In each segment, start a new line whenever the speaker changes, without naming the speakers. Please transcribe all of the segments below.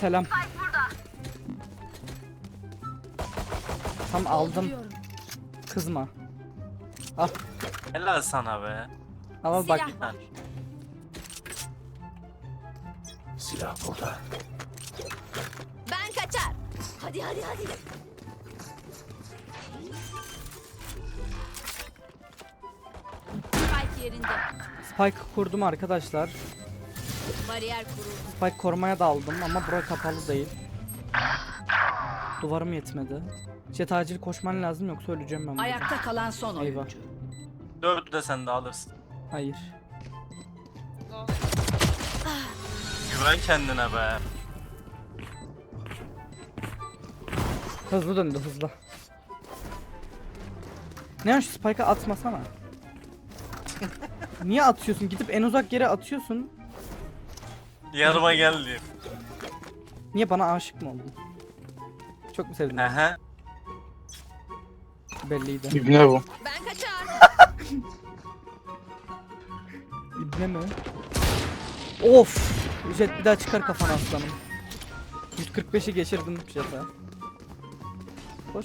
selam. Tam aldım. Kızma. Al.
Helal sana be.
Al bak.
Silah var.
Silah burada.
Ben kaçar. Hadi. Spike yerinde.
Spike kurdum arkadaşlar.
Bariyer kuruldu.
Spike korumaya da aldım ama bura kapalı değil. Duvarım yetmedi. Jet acil koşman lazım yoksa öleceğim ben burada.
Ayakta kalan son
Eyvah.
oyuncu.
4'ü de sen de alırsın.
Hayır.
Güven kendine be.
Hızlı döndü hızlı. Ne şu Spike'a atmasana. Niye atıyorsun? Gidip en uzak yere atıyorsun.
Yanıma geldi.
Niye bana aşık mı oldun? Çok mu sevdin?
Ehe.
Belliydi.
İbne bu.
Ben kaçar.
İbne mi? Of! Jet bir daha çıkar kafana aslanım. 145'i geçirdim Jet'e. Koş.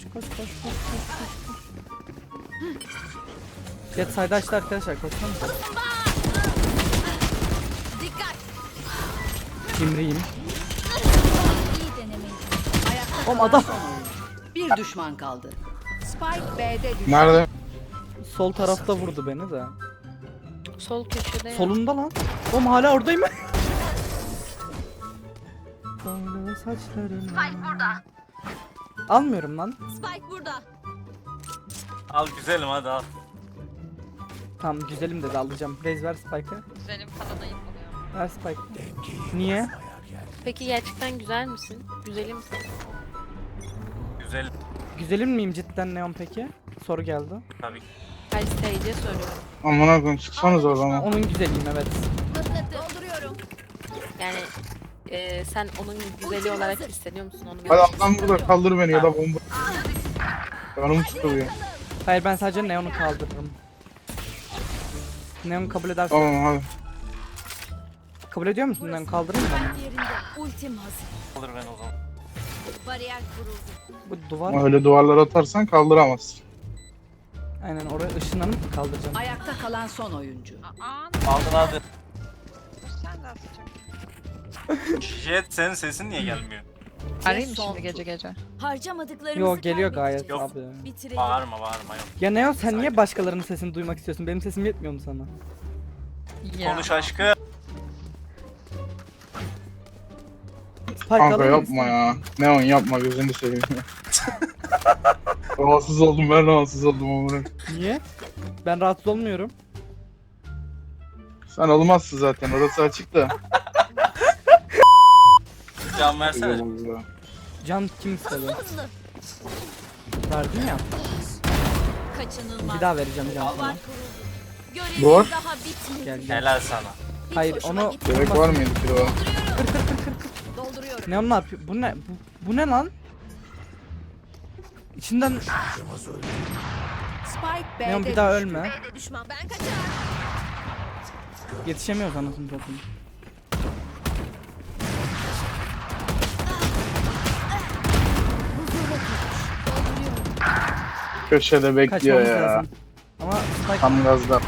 Jet sayda açtı arkadaşlar, koşsana.
Dikkat.
Cimriyim.
İyi denemeydi.
Ayakta
Oğlum
kalan
adam-
son oyuncu. Bir düşman kaldı. Spike B'de düştü.
Nerede?
Sol tarafta vurdu beni de.
Sol köşede.
Solunda lan. Oğlum hala oradayım. Sonra saçlarım. Spike burada. Almıyorum lan.
Spike burada.
Al güzelim hadi al.
Tamam güzelim dedi, alacağım. Raze ver Spike'ı.
Güzelim falan ayıp oluyor.
Ver Spike'ı. Niye?
Peki gerçekten güzel misin? Güzeli misin?
Güzel
Güzelim miyim cidden Neon peki? Soru geldi.
tabii ki.
Hayır seyirciye soruyorum.
Amına koyayım çıksanız oradan.
Onun güzeliyim evet.
Dolduruyorum.
Yani sen onun güzeli olarak hissediyor musun onu?
Hadi adam burada kaldır beni ya da bomba. Canım sıkılıyor.
Hayır ben sadece Neon'u kaldırırım. Neon kabul edersen.
Tamam hadi.
Kabul ediyor musun Neon? Kaldırır mı bana?
Spike yerinde. Ultim hazır.
Alır ben o zaman.
Bariyer kuruldu.
Bu duvar.
Öyle duvarlara atarsan kaldıramazsın.
Aynen oraya ışınlanıp kaldıracağım.
Ayakta kalan son oyuncu.
Aldın hadi.
Sen de atacaksın.
Jet senin sesin niye gelmiyor?
Arayayım mı
Son
şimdi gece gece?
Harcamadıklarımızı
Yo geliyor
kaybettik.
gayet
Yok.
abi.
Bitirelim.
Bağırma yok.
Ya Neon sen niye başkalarının sesini duymak istiyorsun? Benim sesim yetmiyor mu sana?
Konuş aşkı.
Spike
Kanka
alır mısın?
yapma ya. Neon yapma gözünü seveyim ya. Rahatsız oldum ben rahatsız oldum amına.
Niye? Ben rahatsız olmuyorum.
Sen olmazsın zaten orası açık da.
Can versene.
Güzel oldu ya.
Can kim istedi?
Hızlı.
Verdin ya.
Kaçınılmaz.
Bir daha vereceğim can
Duvar
sana.
kuruldu. Görevimiz
Duvar.
daha bitmedi.
Gel.
Helal sana.
Hiç
Hayır,
hoşuma
onu-
gitmedi.
Gerek var mıydı ki o?
Dolduruyorum.
Neon ne yapıyor? Bu ne? Bu ne lan? İçinden
Spike B'de
Neon bir daha
düştü.
ölme.
Düşman. Ben kaçar.
Yetişemiyoruz anasını satayım.
Köşede bekliyor
Kaçmamız
ya.
lazım. Ama Spike
Tam gazda.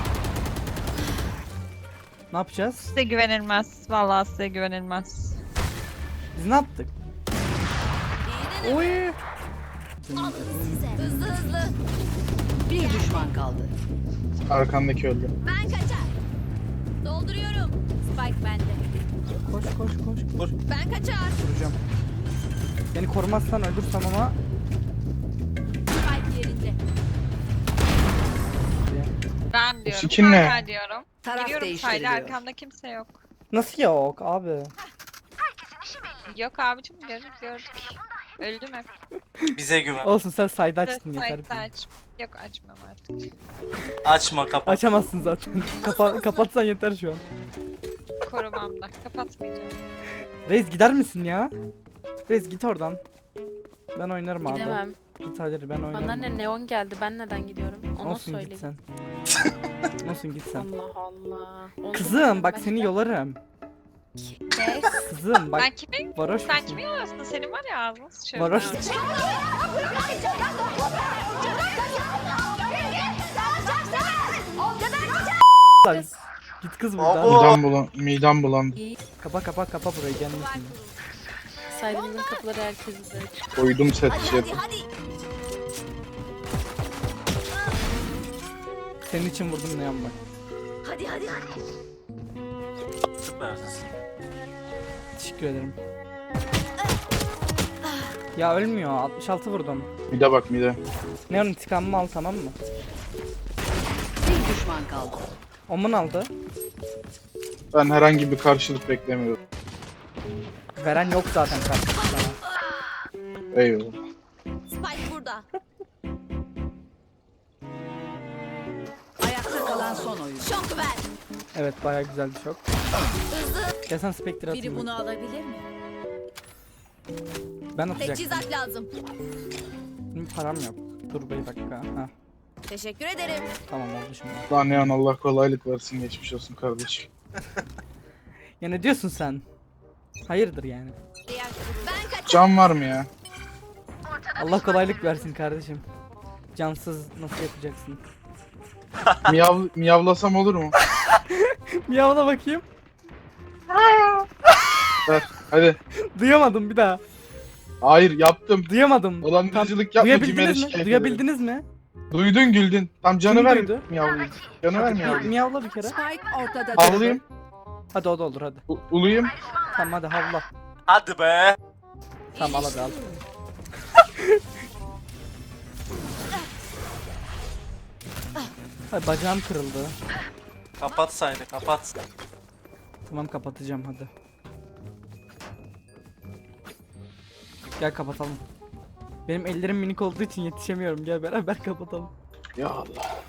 ne yapacağız?
Size güvenilmez. Vallahi size güvenilmez.
Biz ne yaptık?
İyi
Oy.
de hızlı hızlı.
Bir düşman kaldı.
Arkandaki öldü.
Ben kaçar. Dolduruyorum. Spike bende.
Koş.
Vur.
Ben kaçar.
Vuracağım. Beni korumazsan ölürsem ama
Spike yerinde.
Ben diyorum.
sikin ne?
Hala diyorum.
Taraf
Giriyorum
değiştiriliyor.
sayda arkamda kimse yok.
nasıl yok abi?
Yok abicim gördük. Öldüm hep.
Bize güven.
Olsun sen sayda açtın
Sayda
yeter.
aç. Yok açmam artık.
Açma kapat.
Açamazsın zaten. Kapatsan yeter şu an.
Korumamda. Kapatmayacağım.
Reis gider misin ya? Reis git oradan. Ben oynarım abi.
Gidemem.
Git hadi ben oynarım.
Bana ne neon geldi. Ben neden gidiyorum? Onu
Olsun
söyle.
git sen. Olsun git sen.
Allah Allah. Oldu mu?
Kızım bak
Başka?
seni yolarım. Kızım bak
Ben kimin?
varoş
Sen
musun?
kimin yanıyorsun? Senin var ya ağzını sıçıyorum.
Varoş. Lan, git kız buradan.
Abo.
Midem bulandı.
Kapa burayı gelmesin.
Saydığımın kapıları herkesin de açık.
Koydum set şey.
Hadi.
Senin için vurdum ne yapmak.
Hadi.
Süpersin.
Teşekkür ederim. Ya ölmüyor. 66 vurdum.
Mide bak mide.
Neon intikamımı al tamam mı?
Bir düşman kaldı.
Omun aldı.
Ben herhangi bir karşılık beklemiyorum.
Veren yok zaten karşısında.
Eyvallah.
Spike burada.
Ayakta kalan son oyuncu.
Şok ver.
Evet bayağı güzel bir şok.
Hızlı.
Gel sen Spectre atayım.
Biri bunu alabilir mi?
Ben atacaktım.
Teçhizat lazım.
Benim param yok. Dur bir dakika. Ha,
Teşekkür ederim.
tamam oldu şimdi.
Lan Neon Allah kolaylık versin geçmiş olsun kardeşim.
Ya ne diyorsun sen? Hayırdır yani?
Ben kaç.
Can var mı ya?
Allah kolaylık versin kardeşim. Cansız nasıl yapacaksın?
Miyavlasam olur mu?
Miyavla bakayım.
Ver hadi.
Duyamadım bir daha.
Hayır yaptım.
Duyamadım.
Dolandırıcılık yapma Cimer'e
Duyabildiniz mi?
şikayet ederim.
Duyabildiniz mi?
Duydun güldün. Tam canı
Kim
ver
duydu?
miyavlayayım. Canı ver
Bir
miyavlayayım.
miyavla bir kere.
Spike ortada.
Havlayayım.
Hadi o da olur hadi.
Uluyayım.
Tamam hadi havla.
Hadi be.
Tamam al hadi al. Ay bacağım kırıldı.
Kapat saydı kapat.
Tamam kapatacağım hadi. Gel kapatalım. Benim ellerim minik olduğu için yetişemiyorum. Gel beraber kapatalım.
Ya Allah.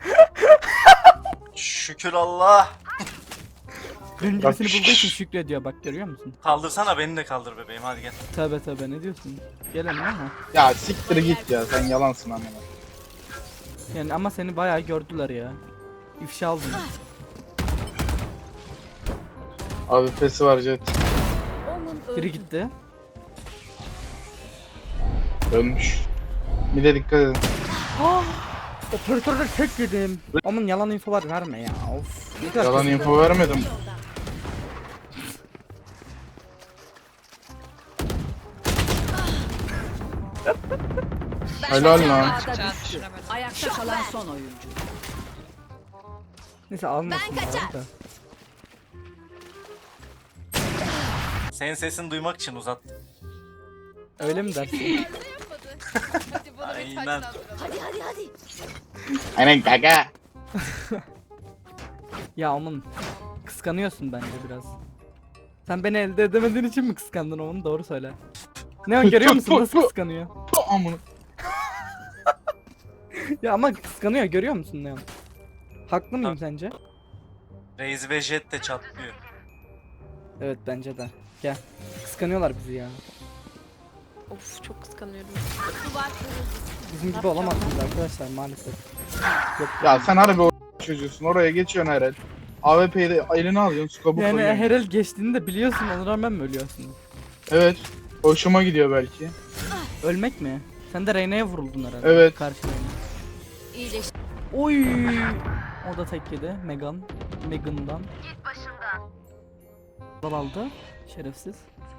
Şükür Allah.
Benim gibisini bulduğu için şükrediyor bak görüyor musun?
Kaldırsana beni de kaldır bebeğim hadi gel.
Tövbe ne diyorsun? Gel hemen ama.
Ya siktir git ya sen yalansın amına.
Yani ama seni bayağı gördüler ya. İfşa aldın.
Abi pesi var Jet.
Biri gitti.
Dönmüş. Bir de dikkat edin.
Operatörde tek yedim. Aman yalan infolar verme ya. Of. Ne kadar
Yalan
kötü.
info vermedim. Helal lan.
Ağda düştü. Ayakta kalan son oyuncu.
Neyse almasın.
Ben kaçar.
da.
Senin sesini duymak için uzattım.
Öyle mi dersin?
Aynen.
Hadi.
Aynen kaka.
Ya aman. Kıskanıyorsun bence biraz. Sen beni elde edemediğin için mi kıskandın onu? Doğru söyle. Ne o görüyor musun nasıl kıskanıyor?
Amına.
Ya ama kıskanıyor görüyor musun Neon? Haklı mıyım sence?
Reis ve Jet de çatlıyor.
Evet bence de. Gel. Kıskanıyorlar bizi ya.
Of çok kıskanıyorum.
Bizim gibi olamazsınız arkadaşlar maalesef. Yok.
Ya sen harbi o çocuğusun. Oraya geçiyorsun her el. AWP'yi de eline alıyorsun. Skopu
Yani
koyuyorsun.
her el geçtiğini de biliyorsun ona rağmen mi ölüyorsun?
Evet. Hoşuma gidiyor belki.
Ölmek mi? Sen de Reyna'ya vuruldun herhalde.
Evet.
Karşı Reyna.
İyileş.
Oy! O da tek yedi. Megan'dan. Git başımdan. Dal aldı. Şerefsiz.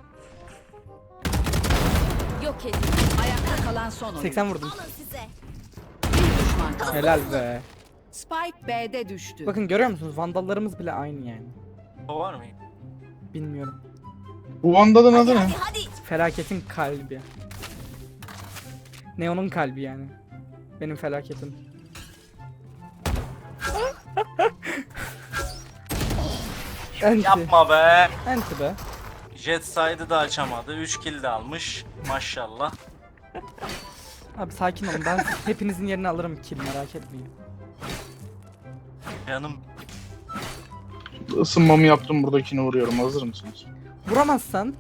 Yok edin.
Ayakta kalan son oyuncu.
80 vurdum.
Alın size.
Bir düşman kaldı.
Helal be.
Spike B'de düştü.
Bakın görüyor musunuz? Vandallarımız bile aynı yani.
O var mı?
Bilmiyorum.
Bu Vandal'ın adı ne?
Hadi.
Felaketin kalbi. Neon'un kalbi yani. Benim felaketim. Enti.
Yapma be.
Enti be.
Jet side'ı da açamadı. 3 kill de almış. Maşallah.
Abi sakin olun ben hepinizin yerini alırım kill merak etmeyin.
Canım.
Isınmamı yaptım buradakini vuruyorum. Hazır mısınız?
Vuramazsan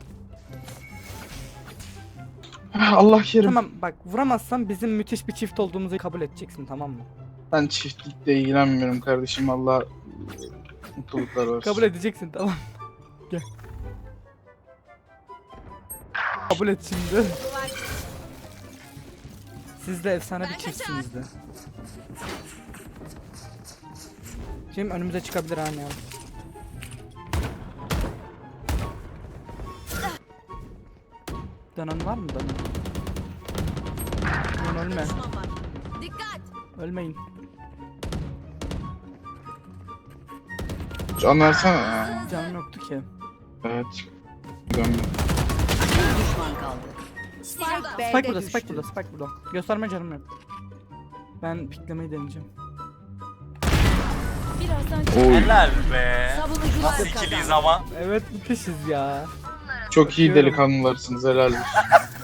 Allah kerim.
tamam bak vuramazsan bizim müthiş bir çift olduğumuzu kabul edeceksin tamam mı?
Ben çiftlikle ilgilenmiyorum kardeşim. Allah mutluluklar versin.
Kabul edeceksin tamam. Gel. Kabul et şimdi. Siz de efsane bir çiftsiniz de. Şimdi önümüze çıkabilir hani ya. Dönen var mı dönen? Lan ölme.
Düşman var. Dikkat.
Ölmeyin.
Can versene ya.
Canım yoktu ki.
Evet. Dönme.
Bir düşman kaldı. Spike
Spike
B'de
burada,
düştü.
Spike burada, Spike burada. Gösterme canım yok. Ben piklemeyi deneyeceğim.
Birazdan
Oy.
Helal be.
savunucular
Nasıl
kazandı.
ikiliyiz ama.
Evet müthişiz ya.
Çok iyi
Bakıyorum.
delikanlılarsınız helal olsun.